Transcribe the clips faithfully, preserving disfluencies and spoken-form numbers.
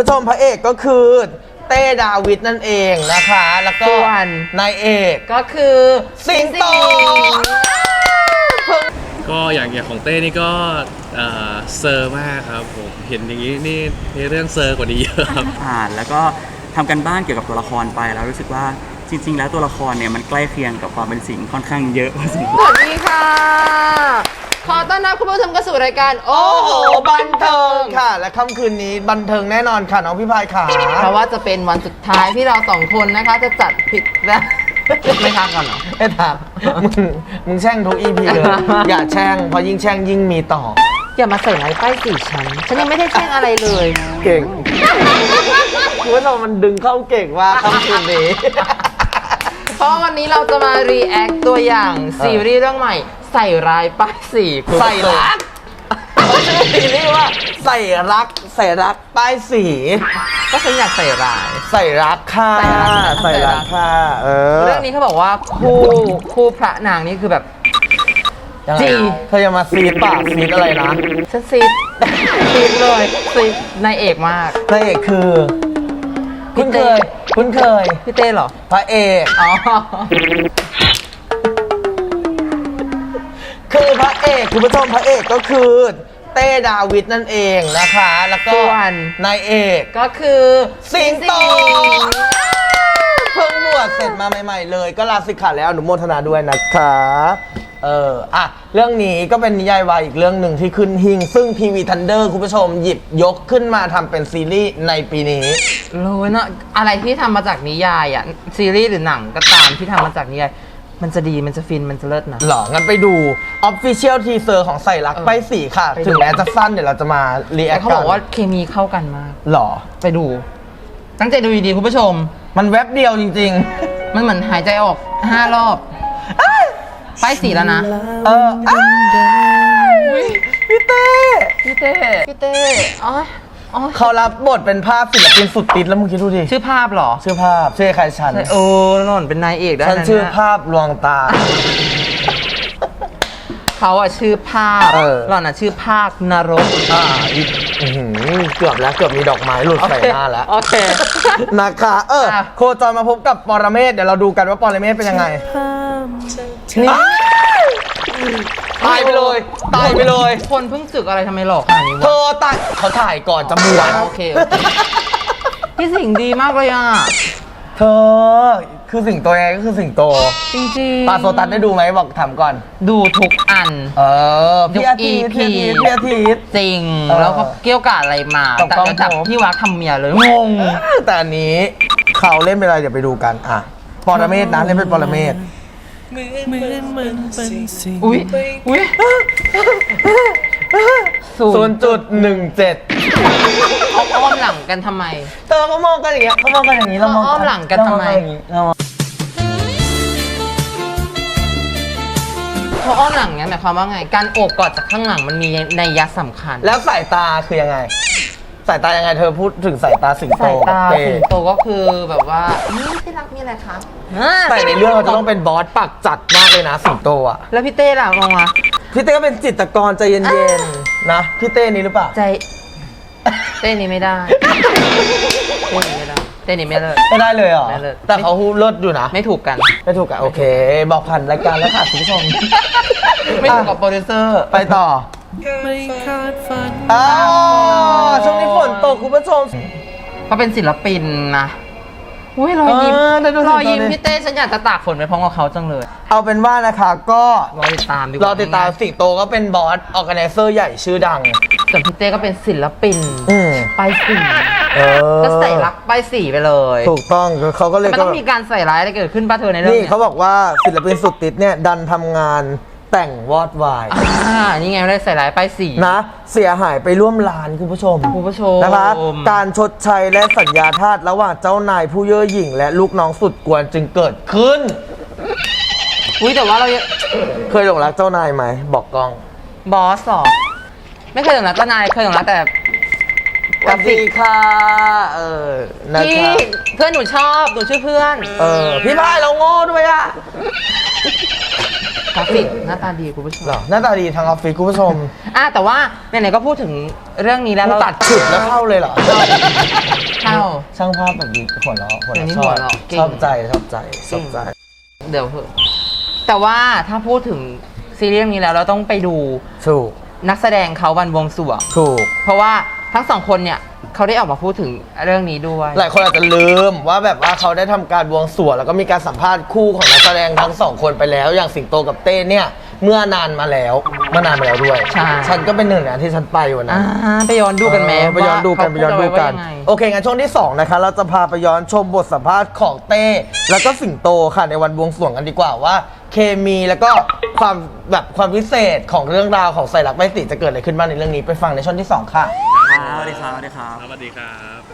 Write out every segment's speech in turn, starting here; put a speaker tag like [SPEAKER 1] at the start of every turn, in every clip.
[SPEAKER 1] ชมพระเอกก็คือเต้ดาวิดนั่นเองนะคะแล้วก็นายเอก
[SPEAKER 2] ก็คือ
[SPEAKER 1] สิงโต
[SPEAKER 3] ก็อย่างอย่างของเต้นี่ก็เซอร์มากครับผมเห็นอย่างนี้นี่ในเรื่องเซอร์กว่านี้เยอะครับ
[SPEAKER 4] อ่านแล้วก็ทำกันบ้านเกี่ยวกับตัวละครไปแล้วรู้สึกว่าจริงๆแล้วตัวละครเนี่ยมันใกล้เคียงกับความเป็นสิงค่อนข้างเยอะพอสมควร
[SPEAKER 2] สวัสดีค่ะขอต้อนรับคุณผู้ชมเข้าสู่รายการโอ้โหบันเทิง
[SPEAKER 1] ค่ะและค่ำคืนนี้บันเทิงแน่นอนค่ะน้องพี่พายขา
[SPEAKER 2] เพราะว่าจะเป็นวันสุดท้ายที่เราสองคนนะคะจะจัดผิดและไม่ทางกันเหรอ
[SPEAKER 1] ไม่ทางมึงมึงแช่งทุกอีพีเลยอย่าแช่งเพราะยิ่งแช่งยิ่งมีต่อ
[SPEAKER 2] อย่ามาใส่ร้ายป้ายสีฉันฉันยังไม่ได้แช่งอะไรเลย
[SPEAKER 1] เก่งคุณผู้ชมมันดึงเข้าเก่งว่าค่ำคืนนี้
[SPEAKER 2] เพราะวันนี้เราจะมารีแอคตัวอย่างซีรีส์เรื่องใหม่ใส่ร้ายป้ายสี
[SPEAKER 1] ใส่รักชื่อซีรีส์ว่าใส่รักใส่รักป้ายสี
[SPEAKER 2] ก็ฉันอยากใส่ร้าย
[SPEAKER 1] ใส่รักค่ะใส่รักค่ะเออ
[SPEAKER 2] เรื่องนี้เขาบอกว่าคู่คู่พระนางนี่คือแบบ
[SPEAKER 1] จีเธอจะมาซีดปากซีดอะไรนะ
[SPEAKER 2] ฉันซีดซีดเลยซีดนายเอกมาก
[SPEAKER 1] นายเอกคือคุ้นเคยคุ้นเคย
[SPEAKER 2] พี่เต้เหรอ
[SPEAKER 1] พระเอก
[SPEAKER 2] อ๋อ
[SPEAKER 1] คือพระเอกคุณผู้ชมพระเอกก็คือเต้ดาวิดนั่นเองนะคะแล้วก็นายเอก
[SPEAKER 2] ก็คือ
[SPEAKER 1] สิงโตเพิ่งบวชเสร็จมาใหม่ๆเลยก็ลาสิกขาแล้วอนุโมทนาด้วยนะคะเอออ่ะเรื่องนี้ก็เป็นนิยายวายอีกเรื่องหนึ่งที่ขึ้นหิ่งซึ่งทีวีทันเดอร์คุณผู้ชมหยิบยกขึ้นมาทำเป็นซีรีส์ในปีนี้
[SPEAKER 2] รู้เนาะอะไรที่ทำมาจากนิยายอ่ะซีรีส์หรือหนังก็ตามที่ทำมาจากนิยายมันจะดีมันจะฟินมันจะเลิศนะ
[SPEAKER 1] หรองั้นไปดู Official Teaser ของใส่รักไปสีค่ะถึงแม้จะสั้นเดี๋ยวเราจะมารีแอค
[SPEAKER 2] เขาบอกว่าเคมีเข้ากันมาก
[SPEAKER 1] หรอ
[SPEAKER 2] ไปดูตั้งใจดูดีๆคุณผู้ชม
[SPEAKER 1] มันแวบเดียวจริง
[SPEAKER 2] ๆมันเหมือนหายใจออกห้ารอบไปสีแล้วนะ
[SPEAKER 1] เออพี่เต้
[SPEAKER 2] พี่เต้พี่เต้อ๋อ
[SPEAKER 1] เขารับบทเป็นภาพศิลปินสุดติดแล้วมึงคิดดูดิ
[SPEAKER 2] ชื่อภาพหรอ
[SPEAKER 1] ชื่อภาพชื่อใครฉัน
[SPEAKER 2] โอ้นนเป็นนายเอกได้
[SPEAKER 1] ฉันชื่อภาพลวงตา
[SPEAKER 2] เขาอะชื่อภาพหล่อนอะชื่อภาคนรก
[SPEAKER 1] อ่าเกือบแล้วเกือบมีดอกไม้หลุดใส่หน้าแล้ว
[SPEAKER 2] โอเค
[SPEAKER 1] นะคะเออโคจรมาพบกับปรเมศเดี๋ยวเราดูกันว่าปรเมศเป็นยังไงตายไปเลยตายไปเลย
[SPEAKER 2] คนเพิ่งศึกอะไรทำไมหลอกขนาดนี้วะ
[SPEAKER 1] เธอตายเขาถ่ายก่อนจะบวช
[SPEAKER 2] โอเคพี่สิงดีมากเลยอ่ะ
[SPEAKER 1] เธอคือสิงโตไงก็คือสิงโต
[SPEAKER 2] จริง
[SPEAKER 1] ๆปาโซตัสได้ดูไหมบอกถามก่อน
[SPEAKER 2] ดูทุกอัน
[SPEAKER 1] เออพี่อาทิตย์พี่อาทิตย์
[SPEAKER 2] จริงแล้วก็เกี่ยวกับอะไรมาแต่จะจับพี่วักทำเมียเลยงง
[SPEAKER 1] แต่อันนี้เขาเล่นเป็นอะไรเดี๋ยวไปดูกันอ่ะปรเมศนะเล่นเป็นปรเมศ
[SPEAKER 2] อุ้ยอุ้ย
[SPEAKER 1] ศูนย์จุดหนึ่งเจ็ด
[SPEAKER 2] เขาอ้อมหลังกันทำไม
[SPEAKER 1] เธอเขามองกันอย่างเงี้ยเขามองกันอย่างนี้เรามอง
[SPEAKER 2] อ้อมหลังกันทำไมเขาอ้อมหลังเงี้ยหมายความว่าไงการโอบกอดจากข้างหลังมันมีนัยยะสำคัญ
[SPEAKER 1] แล้วสายตาคือยังไงสายตายังไงเธอพูดถึงสายตาสิงโต
[SPEAKER 2] สายตาสิงโตก็คือแบบว่าที่รักมีอะไรคะ
[SPEAKER 1] แต่ในเรื่องเราจะต้องเป็นบอสปากจัดมากเลยนะสิงโตอ่ะ
[SPEAKER 2] แล้วพี่เต้ล่ะมองมา
[SPEAKER 1] พี่เต้ก็เป็นจิตรกรใจเย็นๆนะพี่เต้นี้หรือเปล่า
[SPEAKER 2] ใจเต้นี้ไม่ได้เต้นี้ไม่ได้เต้นี้ไม่เลิศ
[SPEAKER 1] ไม่ได้เลยเหรอแต่เขาเลิศอยู่นะ
[SPEAKER 2] ไม่ถูกกัน
[SPEAKER 1] ไม่ถูกกันโอเคบอกผ่านรายการแล้วค่ะคุณผู้ชม
[SPEAKER 2] ไม่ถูกกับโปรดิวเซอร์
[SPEAKER 1] ไปต่อไม่คาดฝันอ๋อช่วงนี้ฝนตกคุณผู้ชม
[SPEAKER 2] เขาเป็นศิลปินนะอุ้ยรอยยิ้มรอยยิ้มพี่เต้ฉันอยากจะตากฝนไปพร้อมกับเขาจังเลย
[SPEAKER 1] เอาเป็นว่านะคะก็
[SPEAKER 2] รอติดตามดีกว่
[SPEAKER 1] ารอติดตามสิงโตก็เป็นบอสออร์แกไนเซอร์ใหญ่ชื่อดัง
[SPEAKER 2] ส่วนพี่เต้ก็เป็นศิลปินไปสีก็ใส่รักไปสีไปเลย
[SPEAKER 1] ถูกต้องเขาก็เลย
[SPEAKER 2] มันต้องมีการใส่ร้ายอะไรเกิดขึ้นป่ะเธอในเรื่อง
[SPEAKER 1] นี้นี่เขาบอกว่าศิลปินสุดติดเนี่ยดันทำงานแต่งวอดวาย
[SPEAKER 2] อ่านี่ไงได้ใส่ร้ายป้ายสี
[SPEAKER 1] นะเสียหายไปร่วมล้านคุณผู้ชม
[SPEAKER 2] คุณผู้ชม
[SPEAKER 1] นะคะการชดใช้และสัญญาทาสระหว่างเจ้านายผู้เย่อหยิ่งและลูกน้องสุดกวนจึงเกิดขึ้น
[SPEAKER 2] อุ้ยแต่ว่าเรา
[SPEAKER 1] เคยหลงรักเจ้านายไหมบอกกล้อง
[SPEAKER 2] บอสหรอไม่เคยหลงรักเจ้านายเคยหลงรักแต่
[SPEAKER 1] กราฟิกค่ะเออ
[SPEAKER 2] นะครับเพื่อนหนูชอบหนูชื่อเพื่อน
[SPEAKER 1] เออพี่พายเราโง่ด้วยอะ
[SPEAKER 2] กราฟิกหน้าตาดีคุณผู้ชม
[SPEAKER 1] หน้าตาดีทางออฟฟิศคุณผู้ชม
[SPEAKER 2] อ่ะแต่ว่าไหนๆก็พูดถึงเรื่องนี้แล้ว
[SPEAKER 1] เราตัดฉุดแล้วเข้าเลยเหรอช่างภาพแบบดีหัวเราะหัว
[SPEAKER 2] เดี๋ยวนี้
[SPEAKER 1] เราะช
[SPEAKER 2] หั
[SPEAKER 1] อ
[SPEAKER 2] ว
[SPEAKER 1] บ
[SPEAKER 2] เราะเก่ง
[SPEAKER 1] ชอบใจชอบใจชอบใจ
[SPEAKER 2] เดี๋ยวเถอะแต่ว่าถ้าพูดถึงซีรีส์เรื่องนี้แล้วเราต้องไปดู
[SPEAKER 1] ถูก
[SPEAKER 2] นักแสดงเขาวันบวงสรวง
[SPEAKER 1] ถูก
[SPEAKER 2] เพราะว่าทั้งสองคนเนี่ยเขาได้ออกมาพูดถึงเรื่องนี้ด้วย
[SPEAKER 1] หลายคนอาจจะลืมว่าแบบว่าเขาได้ทำการบวงสรวงแล้วก็มีการสัมภาษณ์คู่ของนักแสดงทั้งสองคนไปแล้ว อย่างสิงโตกับเต้เนี่ยเมื่อนานมาแล้วเมื่อนานมาแล้วด้วย
[SPEAKER 2] ใช่
[SPEAKER 1] ฉันก็เป็นหนึ่งนะที่ฉันไปวันนั้
[SPEAKER 2] อ่าน ไปย้อนดูกันไหม
[SPEAKER 1] เออไปย้อนดูกัน
[SPEAKER 2] ว่า
[SPEAKER 1] ไปย้อนดูกัน
[SPEAKER 2] เขาพูเาไว้ว่ายังไง
[SPEAKER 1] โอเคงั้นช่วงที่สองนะคะเราจะพาไปย้อนชมบทสัมภาษณ์ของเต้แล้วก็สิงโตค่ะในวันบวงสรวงกันดีกว่าว่า เคมีแล้วก็ความแบบความพิเศษของเรื่องราวของใส่รักไม่ติจะเกิดอะไรขึ้นบ้างในเรื่องนี้ไปฟังในช่วงที่สองค่ะ
[SPEAKER 4] ครับสวัสดีครับสวัสดีครับ
[SPEAKER 3] สวัสดีครับ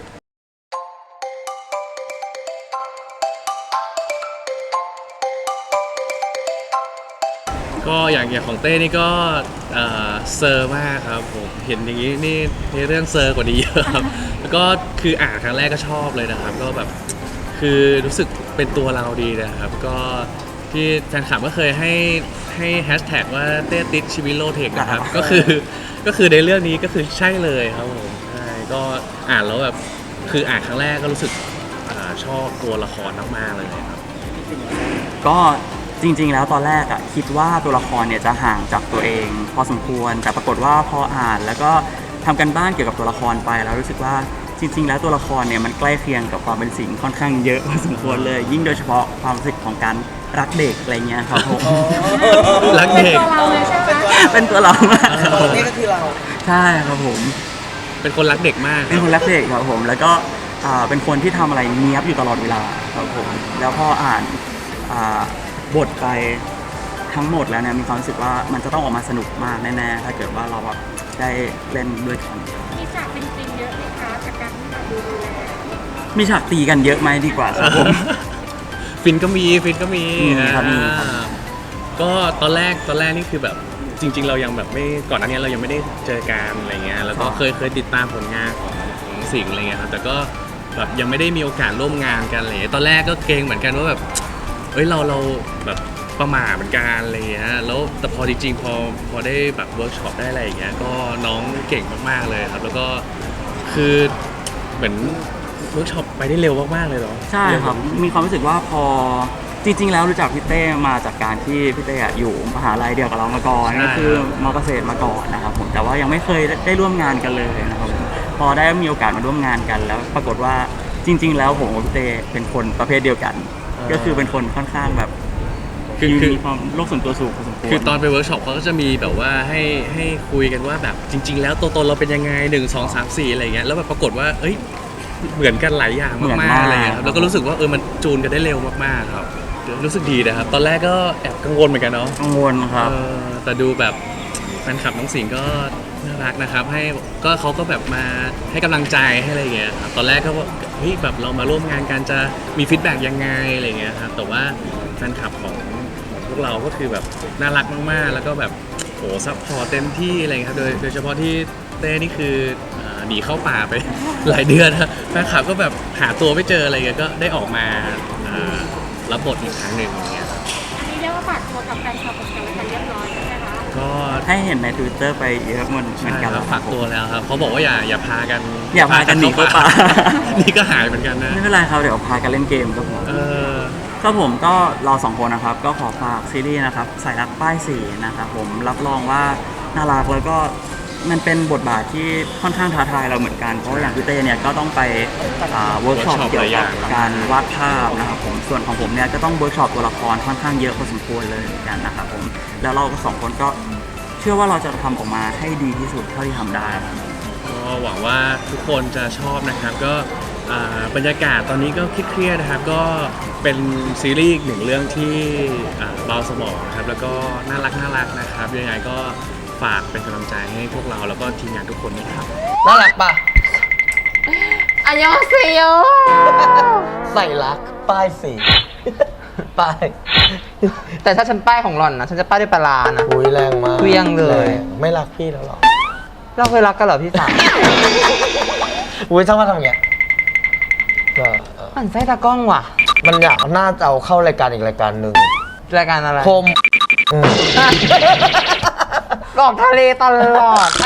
[SPEAKER 3] ก็อย่างอย่างของเต้นี่ก็เอ่อเซอร์มากครับผมเห็นอย่างนี้นี่ในเรื่องเซอร์กว่านี้เยอะครับ แล้วก็คืออ่านครั้งแรกก็ชอบเลยนะครับ ก็แบบคือรู้สึกเป็นตัวเราดีนะครับ ก็ที่แฟนคลับก็เคยให้ให้แฮชแท็กว่าเต้ติดชีวิตโลเทคนะครับ ก็คือก็คือในเรื่องนี้ก็คือใช่เลยครับผมใช่ก็อ่านแล้วแบบคืออ่านครั้งแรกก็รู้สึกอาชอบตัวละครมากๆเลยครับ
[SPEAKER 4] ก็จริงๆ แล้วตอนแรกอะคิดว่าตัวละครเนี่ยจะห่างจากตัวเอง พอสมควร แต่ปรากฏว่าพออ่านแล้วก็ทำกันบ้านเกี่ยวกับตัวละครไปแล้วรู้สึกว่าจริง ๆ แล้วตัวละครเนี่ยมันใกล้เคียงกับความเป็นสิงค่อนข้างเยอะพอสมควรเลย ยิ่งโดยเฉพาะความรู้สึกของการรักเด็กอะไรเงี้ยครับผม
[SPEAKER 3] รักเด็ก
[SPEAKER 4] เป็นตัวเรามากครับผม
[SPEAKER 1] นี่ก็คือเรา
[SPEAKER 4] ใช่ครับผม
[SPEAKER 3] เป็นคนรักเด็กมาก
[SPEAKER 4] เป็นคนรักเด็กครับผมแล้วก็อ่าเป็นคนที่ทำอะไรเนี้ยบอยู่ตลอดเวลาครับผมแล้วพออ่านอ่าบทไปทั้งหมดแล้วเนี่ยมีความรู้สึกว่ามันจะต้องออกมาสนุกมากแน่ๆถ้าเกิดว่าเราแบบได้เล่นด้วยกัน
[SPEAKER 5] มีฉากเป็นจริงเยอะไหมคะจากการที่เราดูแล
[SPEAKER 4] มีฉากตีกันเยอะไหมดีกว่าครับผม
[SPEAKER 3] ฟินก็มีฟินก็มี
[SPEAKER 4] มีครับมีครับ
[SPEAKER 3] อ่าก็ตอนแรกตอนแรกนี่คือแบบจริง ๆ เรายังแบบไม่ก่อนหน้านี้เรายังไม่ได้เจอกันอะไรเงี้ยแล้วก็เคยเคยติดตามผลงานของของสิงห์อะไรเงี้ยครับแต่ก็แบบยังไม่ได้มีโอกาสร่วมงานกันอะไรเลยตอนแรกก็เกรงเหมือนกันว่าแบบเอ้ยเราเราแบบประหม่าเหมือนกันอะไรเงี้ยแล้วแต่พอจริงๆพอพอได้แบบเวิร์กช็อปได้อะไรอย่างเงี้ยก็น้องเก่งมากๆเลยครับ แล้วก็คือเหมือนเวิร์กช็อปไปได้เร็วมากๆเลยเหรอ
[SPEAKER 4] ใช่ครับมีความรู้สึกว่าพอจริง ๆ แล้วรู้จักพี่เต้มาจากการที่พี่เต้อะอยู่มหาลัยเดียวกับเรามาก่อน
[SPEAKER 3] ใช่
[SPEAKER 4] ก็คือมอเกษตรมาก่อนนะครับผมแต่ว่ายังไม่เคยได้ร่วมงานกันเลยนะครับผมพอได้มีโอกาสมาร่วมงานกันแล้ว ปรากฏว่าจริง ๆ แล้วผมกับพี่เต้เป็นคนประเภทเดียวกัน ก็คือเป็นคนค่อนข้างแบบ
[SPEAKER 3] คือคือ
[SPEAKER 4] มีความโลกส่วนตัวสูงพอสมควร
[SPEAKER 3] คือตอนไปเวิร์กช็อปเขาก็จะมีแบบว่าให้ให้คุยกันว่าแบบจริง ๆ แล้วตัวตนเราเป็นยังไงหนึ่งสองสามสี่อะไรเงี้ยแล้วแบบปรากฏว่าเอ้ยเหมือนกันหลายอย่าง
[SPEAKER 4] เหมือน
[SPEAKER 3] มาก
[SPEAKER 4] มาก
[SPEAKER 3] ๆอะไรเงี้ยครับแล้วก็รู้สึกว่าเออมันจูนกันได้เร็วมากๆครับรู้สึกดีนะครับตอนแรกก็แอบกังวลเหมือนกันเนาะ
[SPEAKER 4] กังวลครับ
[SPEAKER 3] เออแต่ดูแบบแฟนคลับน้องสิงห์ก็น่ารักนะครับให้ก็เขาก็แบบมาให้กำลังใจให้อะไรเงี้ยครับตอนแรกก็ว่าเฮ้ยแบบเรามาร่วมงานกันจะมีฟีดแบ็กยังไงอะไรเงี้ยครับแต่ว่าแฟนคลับของ พวกเราก็คือแบบน่ารักมากๆ แล้วก็แบบโหซัพพอร์ตเต็มที่อะไรเงี้ยครับ โดยโดยเฉพาะที่เต้นี่คืออ่าหนีเข้าป่าไป หลายเดือนนะแฟนคลับก็แบบหาตัวไม่เจออะไรเงี้ย ก็ได้ออกมาอ่ารับบทอีกครั้งหนึ่งอย่างเงี้ยครับ
[SPEAKER 5] อันนี้เรียกว่าฝากตัวกับแฟนคลับของกันและกันเรียบร้อยใช่ไหมคะ
[SPEAKER 3] ก็
[SPEAKER 4] ให้เห็นใน Twitter ไปเยอะเหมือนเหมื
[SPEAKER 3] ใช่
[SPEAKER 4] อนกัน
[SPEAKER 3] ค
[SPEAKER 4] แล้
[SPEAKER 3] รับ
[SPEAKER 4] ว
[SPEAKER 3] ฝากตัวแล้วครับเขาบอกว่าอย่าอย่าพากัน
[SPEAKER 4] อย่าพากันหนีเข้าป่า
[SPEAKER 3] นี่ก็หายเหมือนกันนะ
[SPEAKER 4] ไม่เป็นไรครับเดี๋ยวพากันเล่นเกมครับผม
[SPEAKER 3] เออ
[SPEAKER 4] ก็ผมก็เราสองคนนะครับก็ขอฝากซีรีส์นะครับสายรักป้ายสีนะครับผมรับรองว่าน่ารักแล้วก็มันเป็นบทบาทที่ค่อนข้างท้าทายเราเหมือนกันเพราะว่าอย่างพี่เต้เนี่ยก็ต้องไปเวิร์กช็อป
[SPEAKER 3] workshop
[SPEAKER 4] เกี่ยว
[SPEAKER 3] หลายอ
[SPEAKER 4] กั
[SPEAKER 3] ย่า
[SPEAKER 4] บ
[SPEAKER 3] ง
[SPEAKER 4] การวาดภาพนะครับผมส่วนของผมเนี่ยก็ต้องเวิร์กช็อปตัวละครค่อนข้างเยอะพอสมควรเลยเหมือนกันนะครับผมแล้วเราสองคนก็เชื่อว่าเราจะทำออกมาให้ดีที่สุดเท่าที่ทำได้ครับ
[SPEAKER 3] ก็หวังว่าทุกคนจะชอบนะครับก็อ่าบรรยากาศตอนนี้ก็เครียดๆนะครับก็เป็นซีรีส์อีกหนึ่งเรื่องที่อ่าเบาสมองนะครับแล้วก็น่ารักน่ารักนะครับยังไงก็ฝากเป็นกำลังใจให้พวกเราแล้วก็ทีมงานทุกคนนะครับ
[SPEAKER 1] น่ารักปะ
[SPEAKER 2] อันยองเซียว
[SPEAKER 1] ใส่รักป้ายสี ป้าย
[SPEAKER 2] แต่ถ้าฉันป้ายของหล่อนนะฉันจะป้ายด้วยปลาร้านะ
[SPEAKER 1] อุ้ยแรงมาก
[SPEAKER 2] เครื่องเลย
[SPEAKER 1] แรงไม่รักพี่แล้วหรอ
[SPEAKER 2] เราเคยรักกันเหรอพี่สาว
[SPEAKER 1] อุ้ยช่างมาทำอย่างเงี้ยก็เออ
[SPEAKER 2] มันไส้ตากล้องว่ะ
[SPEAKER 1] มันอยากน่าจะเอาเข้ารายการอีกรายการหนึ่ง
[SPEAKER 2] รายการอะไร
[SPEAKER 1] คมอืม
[SPEAKER 2] กอกทะเลตลอด
[SPEAKER 1] อ่ะ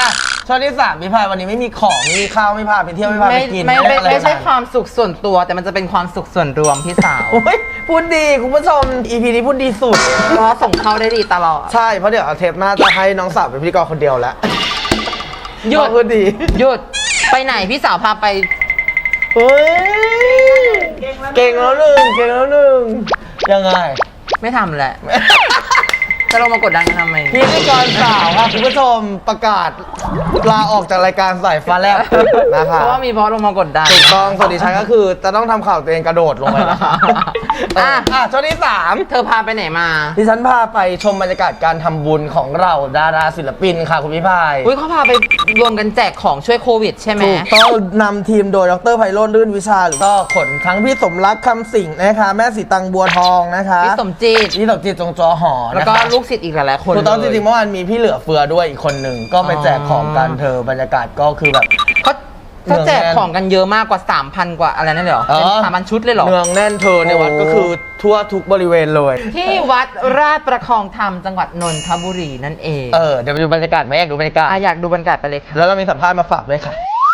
[SPEAKER 1] ช่วงที่สามพี่พายวันนี้ไม่มีของไม่มีข้าวไม่พาไปเที่ยวไม่พาไป
[SPEAKER 2] ไม่
[SPEAKER 1] กิน
[SPEAKER 2] ไม่ไม่
[SPEAKER 1] อะไร
[SPEAKER 2] ไม่ใช่
[SPEAKER 1] ทั้ง
[SPEAKER 2] ความสุขส่วนตัว แต่มันจะเป็นความสุขส่วนรวมพี่สาว
[SPEAKER 1] โอ้ยพูดดีคุณผู้ชม อี พี นี้พูดดีสุด
[SPEAKER 2] เพราะส่งเข้าได้ดีตลอด
[SPEAKER 1] ใช่เพราะเดี๋ยวเอาเทปหน้าจะให้น้องสาวเป็นพิธีกรคนเดียวแล้ว
[SPEAKER 2] หยุด
[SPEAKER 1] พูดดี
[SPEAKER 2] หยุดไปไหนพี่สาวพาไป
[SPEAKER 1] เฮ้ยเก่งแล้วหนึ่งเก่งแล้วหนึ่งยังไง
[SPEAKER 2] ไม่ทำแหละ จะลงมากดดันกันทำไม
[SPEAKER 1] พิธีกรสาวค่ะคุณผู้ชมประกาศลาออกจากรายการสายฟ้าแลบนะคะ
[SPEAKER 2] เพราะว่ามีเพราะลงมากดดัน
[SPEAKER 1] ถูกต้องส่วนดิฉันก็คือจะต้องทำข่าวตัวเองกระโดดลงไปนะคะ
[SPEAKER 2] อ่ะ
[SPEAKER 1] อ่ะช่วงที่สาม
[SPEAKER 2] เธอพาไปไหนมา
[SPEAKER 1] ดิฉันพาไปชมบรรยากาศการทำบุญของเราดาราศิลปินค่ะคุณพี่พาย
[SPEAKER 2] อุ้ยเขาพาไปรวมกันแจกของช่วยโควิดใช่ไหม
[SPEAKER 1] ถูกต้องนำทีมโดยดรไพโรจน์ลื่นวิชาหรือก็ขนทั้งพี่สมรักคำสิงห์นะคะ แม่สีตังบัวทองนะคะ
[SPEAKER 2] พี่สมจิต
[SPEAKER 1] พี่สมจิตจงจอหอ
[SPEAKER 2] แล้ว
[SPEAKER 1] นะ
[SPEAKER 2] ก็
[SPEAKER 1] คะ
[SPEAKER 2] ลูกศิษย์อีกหลายๆคน
[SPEAKER 1] ถูกต้องจ
[SPEAKER 2] เลย
[SPEAKER 1] ริงๆเมื่อวานมีพี่เหลือเฟือด้วยอีกคนหนึ่งก็ไปแจกของกันเธอบรรยากาศก็คือแบบ
[SPEAKER 2] เขาเขาแจกของกันเยอะมากกว่า สามพัน กว่าอะไรนั่นเลยเหรอ
[SPEAKER 1] เออ
[SPEAKER 2] สามพันชุดเลยเหรอ
[SPEAKER 1] เนืองแน่นเธอในวัด
[SPEAKER 2] โอ้
[SPEAKER 1] ก็คือทั่วทุกบริเวณเลย
[SPEAKER 2] ที่วัดราชประคองธรรมจังหวัดนนทบุรีนั่นเอง
[SPEAKER 1] เออเดี๋ยวไปดูบรรยากาศไหมอยากดูบรรยากาศ
[SPEAKER 2] อ่ะอยากดูบรรยากาศไปเลยค่ะ
[SPEAKER 1] แล้วเรามีสัมภาษณ์มาฝากด้วยค่ะ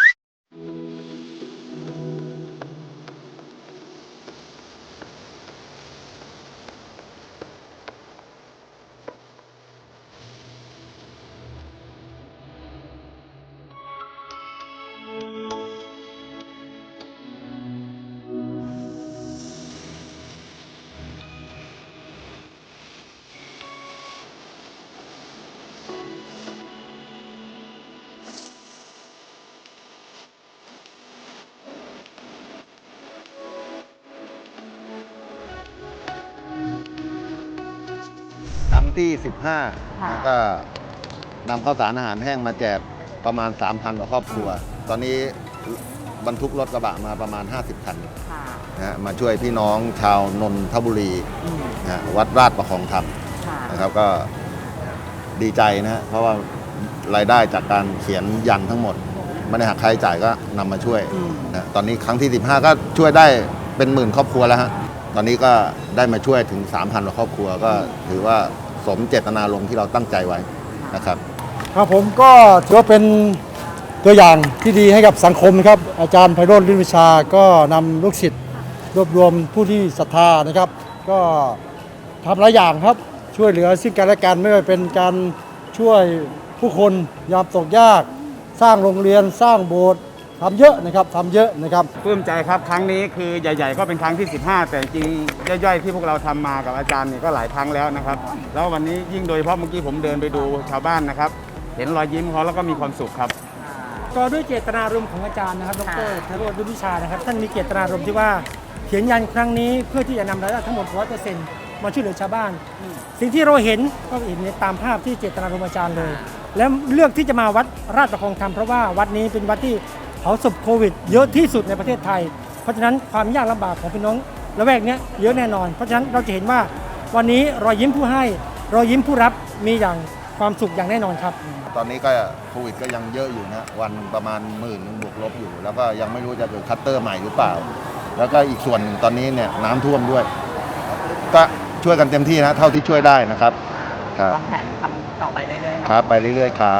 [SPEAKER 6] ครั้งที่ สิบห้า
[SPEAKER 2] ค่ะ
[SPEAKER 6] แล้วก็นำข้าวสารอาหารแห้งมาแจกประมาณ สามพัน กว่าครอบครัว ตอนนี้บรรทุกรถกระบะมาประมาณ ห้าสิบ คัน
[SPEAKER 2] ค่ะ
[SPEAKER 6] นะฮะมาช่วยพี่น้องชาวนนทบุรี
[SPEAKER 2] อืม
[SPEAKER 6] นะฮะวัดราชประคองธรรม
[SPEAKER 2] ค่ะ
[SPEAKER 6] นะครับก็ดีใจนะฮะเพราะว่ารายได้จากการเขียนยันทั้งหมดไม่ได้หักค่าใช้จ่ายก็นำมาช่วยนะตอนนี้ครั้งที่ สิบห้า ก็ช่วยได้เป็นหมื่นครอบครัวแล้วฮะตอนนี้ก็ได้มาช่วยถึง สามพัน กว่าครอบครัวก็ถือว่าสมเจตนารมณ์ที่เราตั้งใจไว้นะครับ
[SPEAKER 7] ครับผมก็ถือว่าเป็นตัวอย่างที่ดีให้กับสังคมนะครับอาจารย์ไพโรจน์ลื่นวิชาก็นำลูกศิษย์รวบรวมผู้ที่ศรัทธานะครับ ก็ทำหลายอย่างครับช่วยเหลือซึ่งกันและกันไม่ว่าเป็นการช่วยผู้คนยามตกยาก สร้างโรงเรียนสร้างโบสถ์ทำเยอะนะครับทำเยอะนะครับ
[SPEAKER 8] ปลื้มใจครับ ครั้งนี้คือใหญ่ๆก็เป็นครั้งที่ สิบห้า แต่จริงๆย่อยๆที่พวกเราทำมากับอาจารย์เนี่ยก็หลายครั้งแล้วนะครับ แล้ววันนี้ยิ่งโดยเฉพาะเมื่อกี้ผมเดินไปดูชาวบ้านนะครับ เห็นรอยยิ้มเขาแล้วก็มีความสุขครับ
[SPEAKER 9] ก็ด้วยเจตนารมณ์ของอาจารย์นะครับดรไพโรจน์ลื่นวิชานะครับท่านมีเจตนารมณ์ที่ว่าเขียนยันครั้งนี้เพื่อที่จะนำรายได้ทั้งหมด ร้อยเปอร์เซ็นต์ มาช่วยเหลือชาวบ้าน สิ่งที่เราเห็นก็เห็นในตามภาพที่เจตนารมณ์อาจารย์เลย และเลือกที่จะมาวัดราชประคองธรรมเพราะว่าวัดนี้เป็นวัดที่เผาศพโควิด เยอะที่สุดในประเทศไทย เพราะฉะนั้นความยากลำบากของพี่น้องละแวกเนี้ยเยอะแน่นอน เพราะฉะนั้นเราจะเห็นว่าวันนี้รอยยิ้มผู้ให้รอยยิ้มผู้รับมีอย่างความสุขอย่างแน่นอนครับ
[SPEAKER 6] ตอนนี้ก็โควิดก็ยังเยอะอยู่นะวันประมาณหมื่นบวกลบอยู่ แล้วก็ยังไม่รู้จะเกิดคัตเตอร์ใหม่หรือเปล่า แล้วก็อีกส่วนหนึ่งตอนนี้เนี่ยน้ำท่วมด้วย ก็ช่วยกันเต็มที่นะเท่าที่ช่วยได้นะครับครับ
[SPEAKER 2] วางแผนทำต่อไปเรื่อยๆ
[SPEAKER 6] ครับไปเรื่อยๆครับ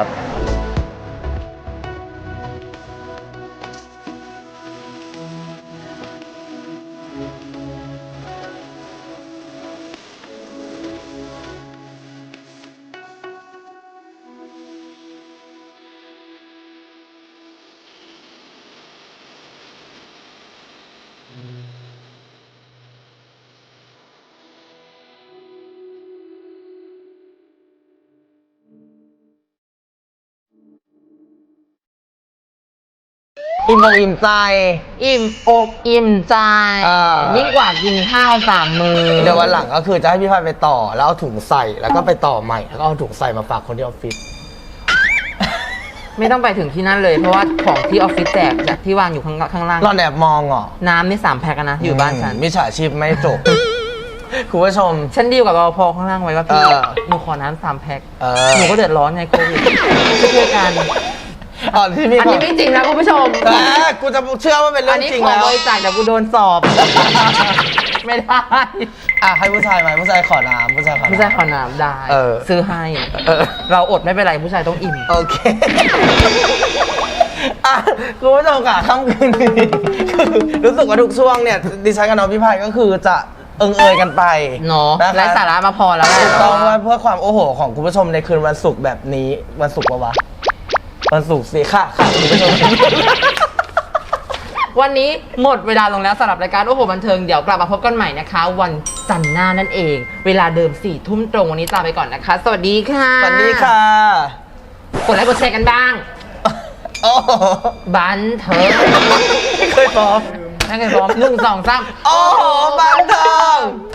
[SPEAKER 1] อิ่มอกอิ่มใจ
[SPEAKER 2] อิ่มอกอิ่มใจ
[SPEAKER 1] อ่ายิ่
[SPEAKER 2] ยิ่งกว่ากินข้าวสามมือ
[SPEAKER 1] เดี๋ยววันหลังก็คือจะให้พี่พายไปต่อแล้วเอาถุงใส่แล้วก็ไปต่อใหม่แล้วก็เอาถุงใส่มาฝากคนที่ออฟฟิศ
[SPEAKER 2] ไม่ต้องไปถึงที่นั่นเลย เพราะว่าของที่ออฟฟิศแจกจากที่วางอยู่ข้างข้างล่าง
[SPEAKER 1] รอนแอบมองเหรอ
[SPEAKER 2] น้ำนี่สามแพ็คอะนะอยู่บ้านฉัน
[SPEAKER 1] มิจฉาชีพไม่จบ คุณผู้ชม
[SPEAKER 2] ฉันดีลกับรปภข้างล่างไว้ว่าพี่
[SPEAKER 1] เออ
[SPEAKER 2] หนูขอน้ำสามแพ็ค
[SPEAKER 1] เออ
[SPEAKER 2] หนูก็เดือดร้อนไงโควิดช่วยๆกัน
[SPEAKER 1] อ๋อที่พี่
[SPEAKER 2] อันนี้ไม่จริงนะคุณผู้ชม
[SPEAKER 1] แต่กูจะเชื่อว่าเป็นเรื่
[SPEAKER 2] อั
[SPEAKER 1] อน ง
[SPEAKER 2] นี้
[SPEAKER 1] จริง
[SPEAKER 2] ขอ
[SPEAKER 1] แล้ว
[SPEAKER 2] บริจาคเดี๋ยวกูโดนสอบ ไม่ได้
[SPEAKER 1] อ่ะให้ผู้ชายไหมผู้ชายขอน้ำผู้ชายขอน้ำ
[SPEAKER 2] ผู้ชายขอน้ำได้
[SPEAKER 1] เออ
[SPEAKER 2] ซื้อให้
[SPEAKER 1] เออ
[SPEAKER 2] เราอดไม่เป็นไรผู้ชายต้องอิ่ม
[SPEAKER 1] โอเคอ่ะคุณผู้ชมค่ะค่ำคืนนี้คือรู้สึกว่าทุกช่วงเนี่ยดิฉันกับน้องพี่พายก็คือจะเอิงเอยกันไป
[SPEAKER 2] เนาะ
[SPEAKER 1] นะคะ
[SPEAKER 2] และสาระมาพอแล้วแหละ
[SPEAKER 1] ถูกต้องว่าเพื่อความโอ้โหของคุณผู้ชมในคืนวันศุกร์แบบนี้วันศุกร์ปะวะวันศุกร์สิค่ะค่ะคุณผู้ชม
[SPEAKER 2] วันนี้หมดเวลาลงแล้วสำหรับรายการโอ้โหบันเทิงเดี๋ยวกลับมาพบกันใหม่นะคะ วันจันทร์หน้านั่นเอง เวลาเดิมสี่ทุ่มตรงวันนี้ลาไปก่อนนะคะ สวัสดีค่ะ
[SPEAKER 1] สวัสดีค่ะ
[SPEAKER 2] กดไลค์กดแชร์กันบ้าง
[SPEAKER 1] โอ้โห
[SPEAKER 2] บันเทิง
[SPEAKER 1] ไม่เคยพร้อม
[SPEAKER 2] นั่นไงพร้อมหนึ่งสองสาม
[SPEAKER 1] โอ้โหบันเทิง